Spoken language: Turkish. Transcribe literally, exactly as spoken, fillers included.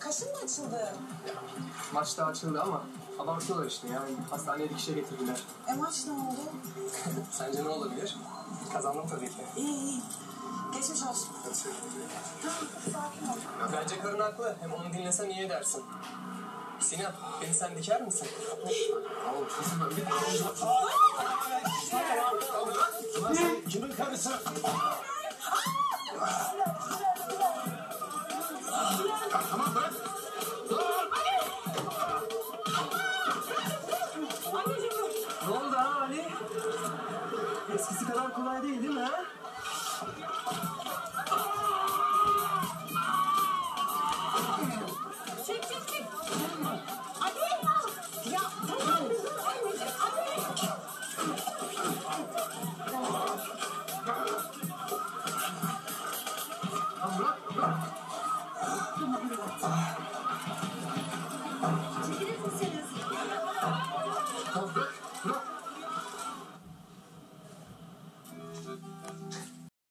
Kaşın mı açıldı? Maçta açıldı ama abartıyorlar işte yani. Hastaneye dikişe getirdiler. E maç ne oldu? Sence ne olabilir? Kazandım tabii ki. İyi iyi. Geçmiş olsun. Tamam sakin ol. Bence karın haklı. Hem onu dinlesen iyi edersin. Sinan, beni sen diker misin? Tamam, kesin ben bir Ulan sen kimin karısı? Tamam bırak. Ne oldu ha Ali? Eskisi kadar kolay değil değil mi ha? Çek çek çek. Ali. Ya tamam. Anneciğim Ali. Tamam bırak bırak. Çekilir misiniz? Tamam bırak.